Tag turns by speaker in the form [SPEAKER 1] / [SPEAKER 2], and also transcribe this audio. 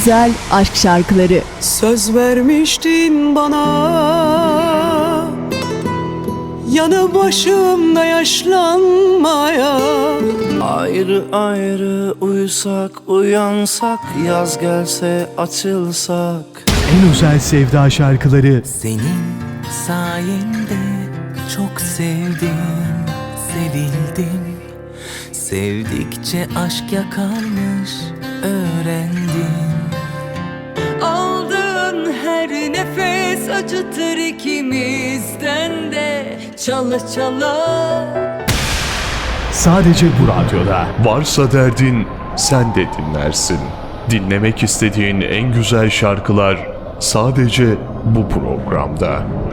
[SPEAKER 1] güzel aşk şarkıları.
[SPEAKER 2] Söz vermiştin bana, yanı başımda yaşlanmaya.
[SPEAKER 3] Ayrı ayrı uyusak, uyansak, yaz gelse açılsak.
[SPEAKER 4] En özel sevda şarkıları.
[SPEAKER 5] Senin sayende çok sevdim, sevildim. Sevdikçe aşk yakarmış, öğrendim. Aldığın her nefes acıtır ikimizden de, çala çala.
[SPEAKER 4] Sadece bu radyoda.
[SPEAKER 6] Varsa derdin, sen de dinlersin. Dinlemek istediğin en güzel şarkılar sadece bu programda.